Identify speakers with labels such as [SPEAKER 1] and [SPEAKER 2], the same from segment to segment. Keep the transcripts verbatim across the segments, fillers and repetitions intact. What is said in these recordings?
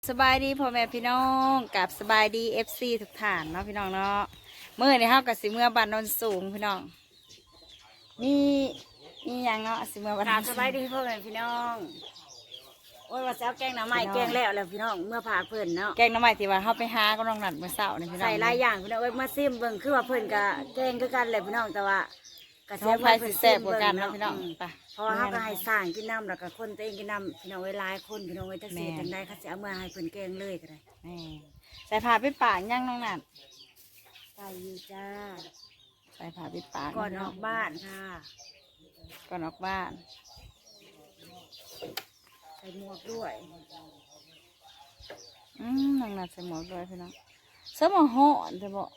[SPEAKER 1] สบายดีพ่อแม่พี่น้องกับสบายดีเอฟซีทุกท่านเนาะพี่น้องเนาะเมื่อในเฮากับสิเมื่อบ้านโนนสูงพี่น้องนี่นี่ยังเนาะสิเมื่อบ้านโนน
[SPEAKER 2] สบายดีพ่อแม่พี่น้องโอ้ยว่าแซวแกงหน่อไม้แกงแล้วแล้วพี่น้องเมื่อผ่าเพิ่นเนาะ
[SPEAKER 1] แกงน้ำใหม่ที่ว่าเฮาไปหาก็น้องนัดเมื่อเช้านี่พี่น้อง
[SPEAKER 2] ใส่หลายอย่างพี่น้องเอ้ยมาซิมเบิ่งคือว่าเพิ่นก็แกงคือกันแหละพี่น้องแต่ว่ากระ
[SPEAKER 1] ท้องไผ่สิแซ่บกว่ากันเนาะพี่น้องไป
[SPEAKER 2] เพราะว่าเฮาก็ให้สร้างกินน้ำแล้วก็คนตัวเองกินน้ำพี่น้องเอ้ยหลายคนพี่น้องเอ้ยจักสิจังได๋เขาสิเอามาให้เพิ่นแกงเลยก็ได้
[SPEAKER 1] แม่ใส่ผ้าปิดปากยังน้องนัด
[SPEAKER 2] ใส่อยู่จ้า
[SPEAKER 1] ใส่ผ้าปิดปาก
[SPEAKER 2] ก่อนออกบ้านค่ะ
[SPEAKER 1] ก่อนออกบ้าน
[SPEAKER 2] ใส่หมวกด้วย
[SPEAKER 1] อืมน้องนัดใส่หมวกด้วยพี่น้องเสื้อหมวกห่อนจะบอก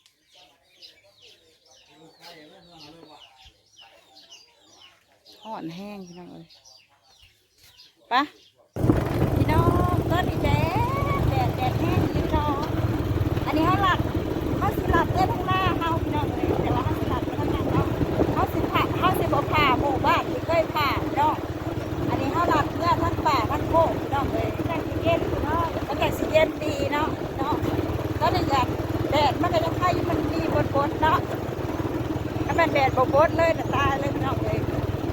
[SPEAKER 1] ห่อนแห้งพี่น้องเลยปะพี่น้องต้นอีแดดแดดแดดแห้งพี่น้องอันนี้เขาหลัดเขาสิหลัดเต้นข้างหน้าเขาพี่น้องเลยแต่ว่าเขาสิหลัดเต้นข้างหน้าเขาเขาสิผ่าเขาสิบ่ผ่าหมู่บ้านที่เคยผ่าพี่น้องอันนี้เขาหลัดเมื่อทั้งป่าทั้งโคกพี่น้องเลยทั้งสิเย็นพี่น้องมันก็สิเย็นดีเนาะเนาะก็เลยอยากแดดมันก็ยังไข่มันดีบนบนเนาะถ้ามันแดดบนบนเลยน่ะตายเลยพี่น้องเลย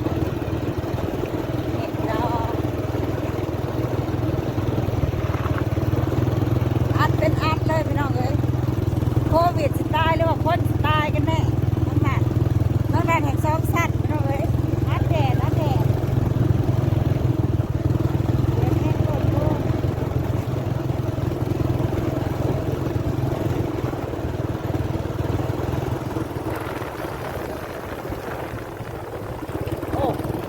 [SPEAKER 1] อัดเป็นอัดเลยพี่น้องเอ้ยโควิดสิตายหรือว่าคนสิตายกันแน่น้องแม่น้องแม่แห่งสองสัตว์พี่น้องเอ้ยอัดแดดอัดแดดโอ้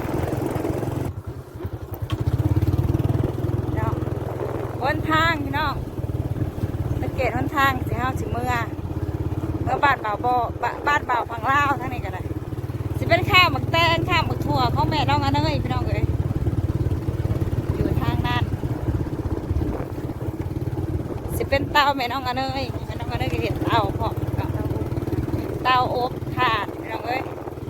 [SPEAKER 1] เนาะบนทางพี่น้องสังเกตหนทางสิเฮาสิเมื่อเมื่อบ้านเบาบ่บ้านบ้านเบาพังลาวทั้งนี้ก็ได้สิเป็นข้าวหมักแตงข้าวหมักถั่วของแม่น้องอันเอ้ยพี่น้องเอ้ยอยู่ทางนั้นสิเป็นเตาแม่น้องอันเอ้ยแม่น้องอันเอ้ยก็เห็นเตาพร้อมกับเตาอบถ่านพี่น้องเอ้ย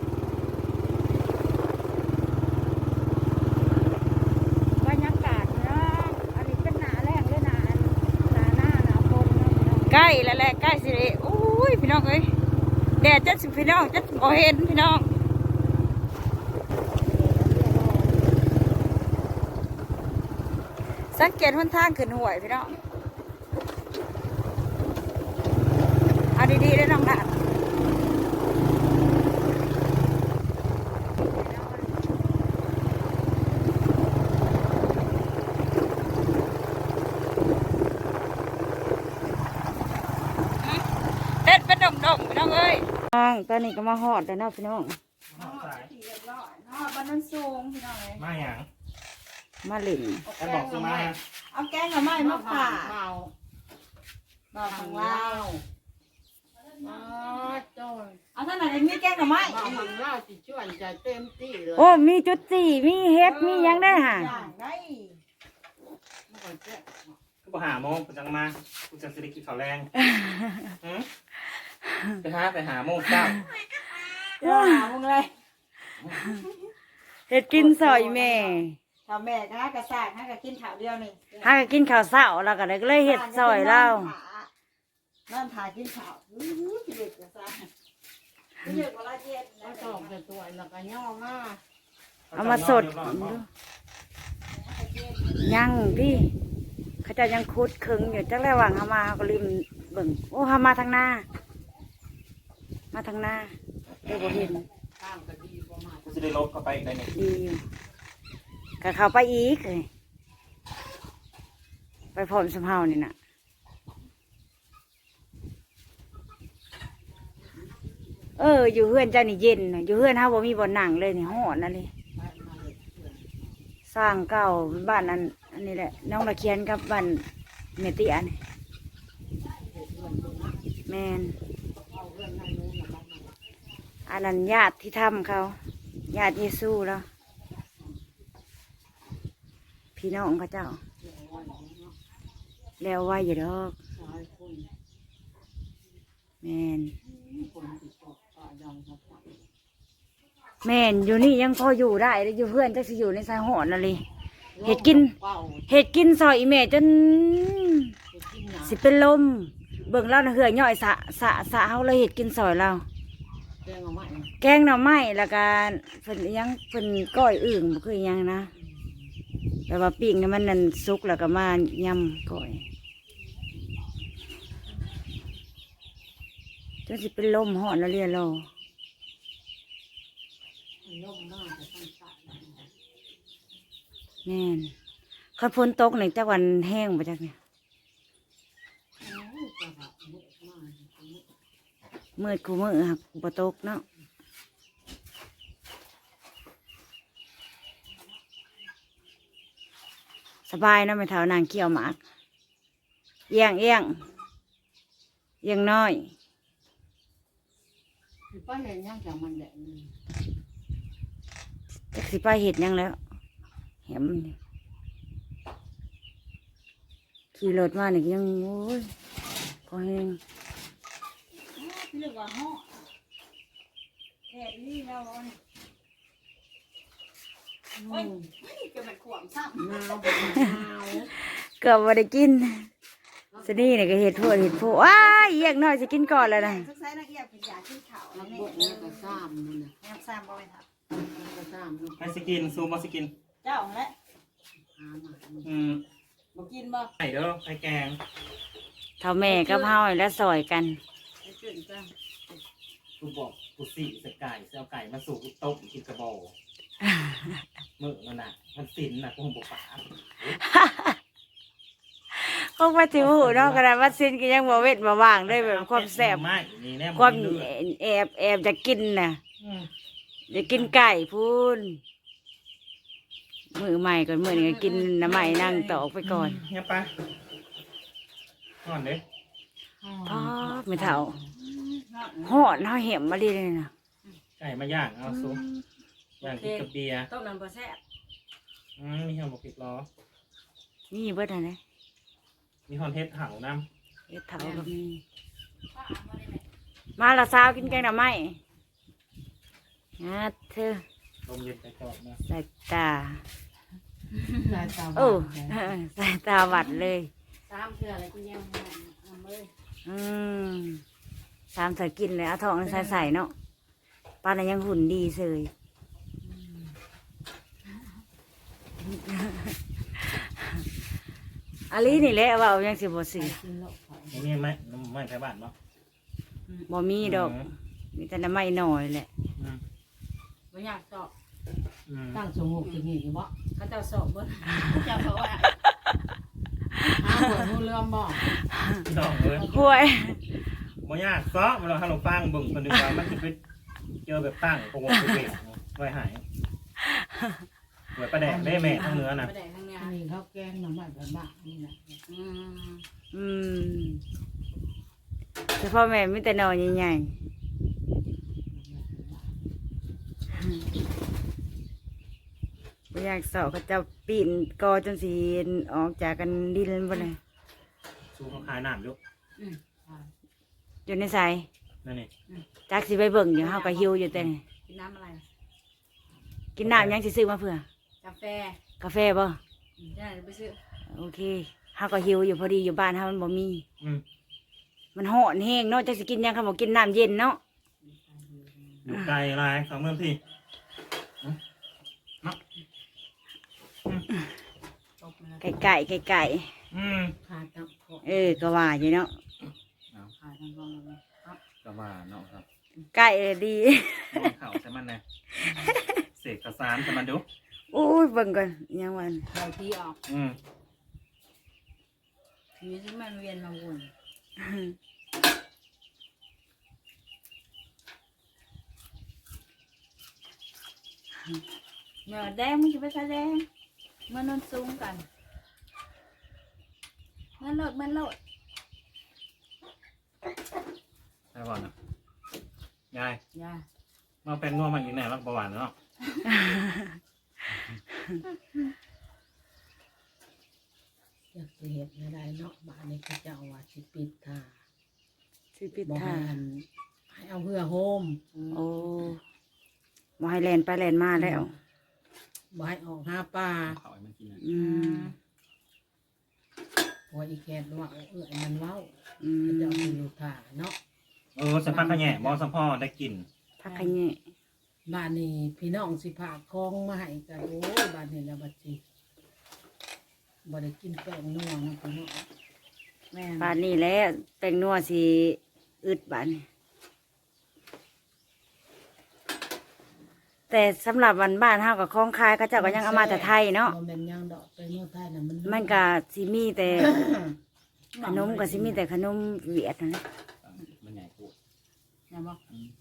[SPEAKER 1] บรรยากาศเนาะอันนี้เป็นหนาแรงเลยหนาหนาหน้าหนาฝนเนาะพี่น้องใกล้แล้วแหละใกล้สิเลยโอ้ยพี่น้องเอ้ยแดดจัดสิพี่น้องจัดบ่เห็นพี่น้องสังเกตหนทางขึ้นห่วยพี่น้องเอาดีๆได้น้องนัดเด็ดเป็นดงๆพี่น้องเอ้ยน้องตอนนี้ก็มาหอดแล้วเนาะพี่น้อง
[SPEAKER 3] หอดสาย
[SPEAKER 1] หอดบ้านนั้นสูงพี่น้องเอ้ย
[SPEAKER 3] มาอย่าง
[SPEAKER 1] มาหลิน
[SPEAKER 3] แต่บอกสิมา
[SPEAKER 1] เอาแกงกับไม้มาผ่า
[SPEAKER 2] เมา
[SPEAKER 1] บ่าวของเรา
[SPEAKER 2] อ๋อโจ้ย
[SPEAKER 1] เอาท่านไหนมีแกงกับไม้
[SPEAKER 2] บ่มันเล่าสิชวนใจเต็มที่เลย
[SPEAKER 1] โอ้มีจุดสี่มีเฮ็ดมีหยังได้ห่ะ
[SPEAKER 2] อย่างได้มันก็เจ๊
[SPEAKER 3] ก็บ่หาโมงกูจังมากูจะสิได้กินข้าวแรงหืมไปหาไปหาโมงเก้า
[SPEAKER 1] ว้ามึงเลยเฮ็ดกินซอยแม่ถ้าแม่ก็กระซากให้ก็กินข้าวเดียวนี่ให้ก็กินข้าวเช้าแล้วก็เลยเฮ็ดซอยเรานั่นถ่ายกินข้าวอื้อเด็กกระซากเด็กกว่าละเจ็ด
[SPEAKER 2] ก็ตอกแต่ตัวแล้วก็ย่อมา
[SPEAKER 1] เอามาสดยังพี่เขาจะยังคุดคึงอยู่จักแล้วว่างเฮามาเฮาก็ลืมเบิ่งโอ้เฮามาทางหน้ามาทางหน้าได้บ่เห็น
[SPEAKER 2] ข้ามก็ดีประมาณ
[SPEAKER 3] กูจะได้ลบเข้าไปอีกได้นี่
[SPEAKER 1] ดีอยู่ก็เข้าไปอีกเลยไปพร้อมสมเฮานี่น่ะเอออยู่เฮือนเจ้านี่เย็นน่ะอยู่เฮือนเฮาบ่มีบ่อนนั่งเลยนี่ฮ้อนนั่นเลยสร้างเก่าบ้านนั้นอันนี้แหละน้องตะเคียนกับบ้านเมติอันนี้แมนอันนั้นญาติที่ทำเขาญาติเยซูแล้วพี่น้องเขาเจ้าแล้วไว้อยู่ดอกแมน แม่นอยู่นี่ยังพออยู่ได้เลยอยู่เพื่อนจะสิอยู่ในสายหอนอะไร
[SPEAKER 2] เห็ดกินเห็ดกินซอยอีแม่จนสิเป็นลมเบิ่งเราน่ะเหือย่อยสะสะสะเฮาเลยเห็ดกินซอยเราแกงหน่อไม้แกงหน่อไม้แล้วก็เพิ่นอิหยังเพิ่นก้อยอึ่งบ่คืออิหยังนะแต่ว่าปิ้งให้มันนั่นสุกแล้วก็มายำก้อยจนสิเป็นลมฮ้อนแล้วเรียรอแม่นคันฝนตกนี่จักวันแห้งบ่จักเนี่ยมืดกูมือหักบ่ตกเนาะสบายเนาะไม่เท่านางเกี่ยวหมากเอียงเอียงเอียงน้อยป้าเห็นยังจากมันแดดจักสิป้าเห็ดยังแล้วแหมขี่รถมาเนี่ยยังโอ้ยพอแห้งเรียกว่าห่อแค่นี้แล้วเนี่ยโอ้ยเกือบมันขวมซ้ำหนาวหนาวเกือบว่าได้กินสนี่เนี่ยก็เห็ดพวกเห็ดพวกว้ายเอียกน้อยจะกินก่อนเลยนะทุกไซนักเอียกเป็นยาขึ้นเขาแล้วนี่เออก็ซ้ำมันนะซ้ำบ่ไปทับก็ซ้ำ
[SPEAKER 3] ไปสกินซูมมาสกิน
[SPEAKER 1] เจ้าและ
[SPEAKER 3] อืม
[SPEAKER 1] บ่กินบ่
[SPEAKER 3] ไข่เด้อไข่แกง
[SPEAKER 2] เท่าแม่กับเฮาแล้วซอยกัน
[SPEAKER 1] ไปขึ้นจ้า
[SPEAKER 3] กูบอกกูสี่สไก่เสียไก่มาสู่กูต้มกินกระบอกมือมันน่ะมันสินน่ะกูคงบอกป๋า
[SPEAKER 2] พวกมาถิวหูเนาะกระดาษวัดซินก็ยังบ่เวทบ่ว่างด้วยแบบความแซ่บ
[SPEAKER 3] ไม่นี่แน่
[SPEAKER 2] ความแอบแอบจะกินน่ะจะกินไก่พูนมือใหม่ก่อนมือนี้กินน้ำใหม่นั่งต่อไปก่อน
[SPEAKER 3] เฮียปะก่อนเด้
[SPEAKER 2] พ่อไม่เท่าหอดเฮาเห็มมาดีเลยนะ
[SPEAKER 3] ไก่มาย่างเอาซุปย่างกินกับเบียร์
[SPEAKER 1] ต้มน้ำปลาแซ่บ
[SPEAKER 3] อืมมีหอมบกพริกล้อ
[SPEAKER 2] นี่เบิดอะไร
[SPEAKER 3] มีหอมเฮ็ดเห่าน้
[SPEAKER 2] เฮ็ดเท่าก็มีมาละสาวกินแกงหน่อไม้นะเธอ
[SPEAKER 3] ำลมเย็นไปจอดนะ
[SPEAKER 2] สายตาโอ้สายตาหวัดเลย
[SPEAKER 1] สามเกลืออะไรกินยังทำเลย
[SPEAKER 2] อืมสามใส่กินเลยเอาทองใส่ใส่เนาะป้าน่ะยังหุ่นดีเสยอันนี้นี่แหละว่าเอายังสิบ่สิ
[SPEAKER 3] นี่มีไหมน้ำไม่ใช่บ้านเนาะ
[SPEAKER 2] บ่มีดอกมีแต่น้ำไม้หน่อยแหละ
[SPEAKER 3] อืม
[SPEAKER 1] ไม่อยากสอบ
[SPEAKER 3] อืม
[SPEAKER 4] ตั้งสงบจะงี้อยู่บ่
[SPEAKER 1] เขาเจ้าสอบเบิ้ลเจ้าเขาว่า
[SPEAKER 4] หาหัวงูเรือมบ่
[SPEAKER 3] พี่น้องเลย
[SPEAKER 2] ห่วย
[SPEAKER 3] บ่ยากซ้อมาเราให้เราฟังเบิ่งคนดูว่ามันจะไปเจอแบบตั้งโปรโมทเบรกไว้หายเหมือนประแดกได้แม่ทั้งเนื้อน่ะ
[SPEAKER 1] ไปไหนข้างใน
[SPEAKER 4] อันนี้เขาแกงหน่อไม้แบบบ้านี่นะ
[SPEAKER 1] อืม
[SPEAKER 2] อืมเฉพาะแม่มีแต่หน่อใหญ่ๆบ่อยากสอบเขาเจะปีนกอจนสีออกจากกันดินบ่เลย
[SPEAKER 3] สู้เขาขายน้ำอยู่
[SPEAKER 2] อยู่ในสาย
[SPEAKER 3] นั่นนี่
[SPEAKER 2] จักสิไปเบิ่งอยู่เฮาก็หิวอยู่แต่นี่
[SPEAKER 1] กินน้ำอะไร
[SPEAKER 2] กินน้ำยังสิซื้อมาเผื่อก
[SPEAKER 1] าแฟ
[SPEAKER 2] กาแฟบ่
[SPEAKER 1] ได้ไปซื้อ
[SPEAKER 2] โอเคเฮาก็หิวอยู่พอดีอยู่บ้านเฮามันบ่มี
[SPEAKER 3] อืม
[SPEAKER 2] มันร้อนแห้งเนาะจักสิกินหยังคันบ่กินน้ำเย็นเนาะ
[SPEAKER 3] อยู่ไกลอะไรสองเมืองพี่อืมเนาะอืม
[SPEAKER 1] ตบมา
[SPEAKER 2] ไก่ไก่ไก่ไก่
[SPEAKER 3] อืม
[SPEAKER 4] ขาดกับพวก
[SPEAKER 2] เออก็ว่าอยู่เนาะ
[SPEAKER 4] ขาดทั้งกองเลย
[SPEAKER 3] ก็ว่าเนาะครับ
[SPEAKER 2] ไก่เลยดี
[SPEAKER 3] เข่าใช่มันนะเสกกระสานใช่มันดู
[SPEAKER 2] อู้ยเบิ่งก่อนยังวัน
[SPEAKER 1] เราที่ออก
[SPEAKER 3] อืม
[SPEAKER 1] มีที่มันเวียนมาวน เมื่อแดงมึงจะไปแสดงเมื่อนอนสูงกันเมื่อโหลดเมื่อโหลด
[SPEAKER 3] ใช่ป่ะนะยาย
[SPEAKER 1] อย่า
[SPEAKER 3] มาเป็นนัวมาอีกแน่รักประวัติเนาะ
[SPEAKER 4] อยากจะเห็นอะไรเนาะบ้านนี้เขาจะเอาว่าสิปิดท่า
[SPEAKER 2] สิปิด
[SPEAKER 4] บอกให้
[SPEAKER 2] ท่า
[SPEAKER 4] อันให้เอาเพื่อโฮม
[SPEAKER 2] โอ้บ่ให้แล่นไปแล่นมาแล้ว
[SPEAKER 4] มบ่ให้ออกหาปลา
[SPEAKER 3] เขาให้มันกินนะ
[SPEAKER 2] อืม
[SPEAKER 4] หัวอีแคดว่าเออมันเว้า
[SPEAKER 2] อืม
[SPEAKER 4] เขาเจะเอาไปอยู่ถ่าเนาะ
[SPEAKER 3] เออสัมภาษณ์ขะแหน่บอสัมพ่อได้กิน
[SPEAKER 2] พักขะแยะ
[SPEAKER 4] บ้านนี้พี่น้องสิพาคองมาให้กันโอ้ยบ้านนี้แล้วบัดสิบ่ได้กินแป้งนัวนะพี่น้อง
[SPEAKER 1] แม่
[SPEAKER 2] บานนี้แหล้วแป้งนัวสิอึดบานนี้แต่สำหรับวันบ้านเฮากับของคายเขาเจ้าก็ยังเอามาแต่ไทยเนาะ
[SPEAKER 4] บ่แม่นยังดอกไปเมืองไทยน่ะมัน
[SPEAKER 2] มันก็สิมีแต่ขนมก็สิมีแต่ขนมเวียดนั่นแหละ
[SPEAKER 3] มันใหญ่กู
[SPEAKER 1] อย่าบอก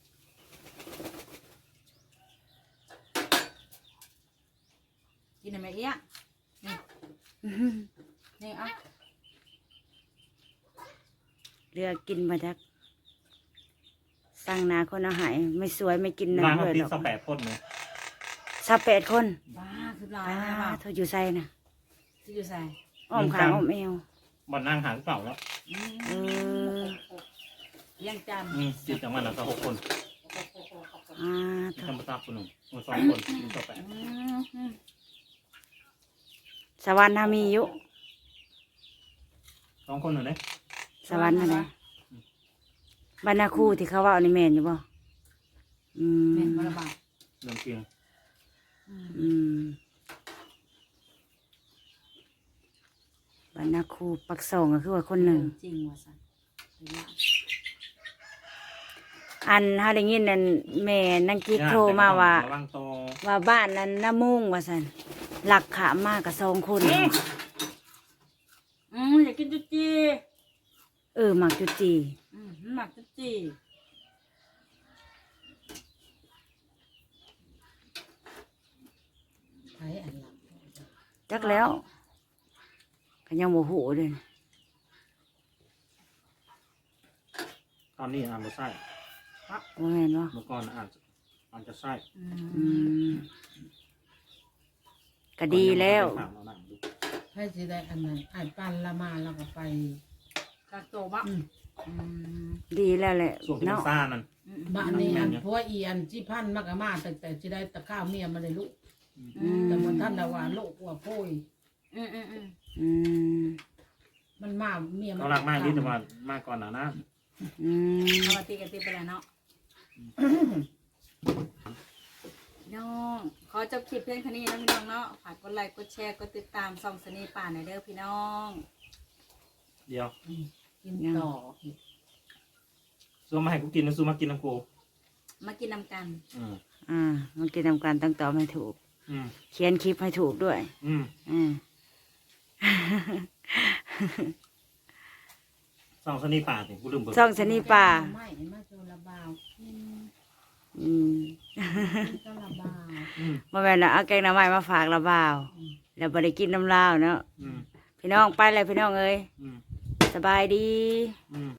[SPEAKER 1] กินอะไรเอี้ยนี่
[SPEAKER 2] อื้อหือ
[SPEAKER 1] นี่อ่ะ
[SPEAKER 2] เรือกินมาจากสั่งนาคนเอาใหายไม่สวยไม่กินนะ
[SPEAKER 3] ร้านเขา
[SPEAKER 2] เลย
[SPEAKER 3] ติด
[SPEAKER 2] หรอก
[SPEAKER 3] สแปดคนเลย
[SPEAKER 2] สับแปดคน
[SPEAKER 1] บ้าคือลา
[SPEAKER 2] อ่าย
[SPEAKER 1] นะบ่าว
[SPEAKER 2] เธออยู่ใส่นะ
[SPEAKER 1] ที่อยู่ใส่
[SPEAKER 2] อ้อมขางอ้อมเอว
[SPEAKER 3] บอลนั่งหางเปล่าแล้ว
[SPEAKER 2] เออ
[SPEAKER 1] ยังจันทร์
[SPEAKER 3] อืมติดจากมันแล้วก็หกคน
[SPEAKER 2] อ่าเธอ
[SPEAKER 3] ทำตาคนหนึ่งคนสองคนติดสแปด
[SPEAKER 1] อืมอืม
[SPEAKER 2] สวรรค์ทามีอยู่
[SPEAKER 3] สองคนหนึ่งเลย
[SPEAKER 2] สวรรค์อะไรบรรณาครูที่เขาว่าอันนี้แมนอยู่บ่อืม
[SPEAKER 1] เป็นบาบา
[SPEAKER 3] เรื่องเพียง
[SPEAKER 2] อืมบรรณาครูปักสองก็คือว่าคนหนึ่ง
[SPEAKER 1] จริงว่ะสัน
[SPEAKER 2] อันเฮาได้ยินนั่นแม่นังกิ๊กโทรมาว่า
[SPEAKER 3] ระวังโต
[SPEAKER 2] ว่าบ้านนั้นน้ามุ่งว่าสันหลักขามากกับสองคน
[SPEAKER 1] อืมอยากกินจุจี
[SPEAKER 2] เออหมักจุจี
[SPEAKER 1] อืมหมักจุจี
[SPEAKER 4] ไผอันหลัง
[SPEAKER 2] จักแล้วก็ยังโมโหเลย
[SPEAKER 3] ตอนนี้อ่านไม่ใช่
[SPEAKER 2] ว่าแม่นบ่
[SPEAKER 3] เมื่อก่อนอ่านอ่านจะใช่
[SPEAKER 1] อื
[SPEAKER 2] อื
[SPEAKER 1] ม
[SPEAKER 2] มก็ดีแล้ว
[SPEAKER 4] ไผสิได้อันนั้นอ้ายปันละมาแล้วก็ไป
[SPEAKER 1] กาโตบะ
[SPEAKER 4] อืม
[SPEAKER 1] อืม
[SPEAKER 2] ดีแล้วแหละ
[SPEAKER 3] ส่วนที่มัน
[SPEAKER 2] เนาะ
[SPEAKER 3] ซ่านั่น
[SPEAKER 1] อืม
[SPEAKER 4] บ้านนี้อันผัวอีอันจิพันมักอามาแต่แต่สิได้ตะข้าวเมียมาเลยลูก
[SPEAKER 1] อืม
[SPEAKER 4] แต่มันท่านน่ะว่าโลกว่าโพย
[SPEAKER 1] อืมอืมอืม
[SPEAKER 2] อืม
[SPEAKER 4] มันมาเมียมัน
[SPEAKER 3] เขารักมากที่แต่ว่ามากก่อนหนานะ
[SPEAKER 2] อืม
[SPEAKER 1] เอามาตีกันตีไปแล้วเนาะน้องขอจบคลิปเพียงเท่านี้นะพี่น้องเนาะฝากกดไลค์กดแชร์กดติดตามส่องสนีป่าหน่อยเด้อพี่น้อง
[SPEAKER 3] เดียว
[SPEAKER 4] กินต่อ
[SPEAKER 3] ซูมาให้กูกินนะซูมากินน้ำกู
[SPEAKER 1] มากินนำกัน
[SPEAKER 3] อืม
[SPEAKER 2] อ่ามันกินทำการตั้งตอบให้ถูก
[SPEAKER 3] อืม
[SPEAKER 2] เขียนคลิปให้ถูกด้วย
[SPEAKER 3] อืม
[SPEAKER 2] อืม
[SPEAKER 3] สองสนีป่าสิกูลืมเบิก
[SPEAKER 2] ช่องสนีป่า
[SPEAKER 4] ไม่มาโจระบาวกิน
[SPEAKER 2] อืม
[SPEAKER 4] กินก็ระบาว
[SPEAKER 3] อืม
[SPEAKER 2] มาแม่นละเอาแกงหน้ำไม้มาฝากละบ่าว แล้วบ่ได้กินน้ำลาวเนาะ
[SPEAKER 3] อืม
[SPEAKER 2] พี่น้องไปเลยพี่น้องเอ้ย
[SPEAKER 3] อืม
[SPEAKER 2] สบายดี
[SPEAKER 3] อืม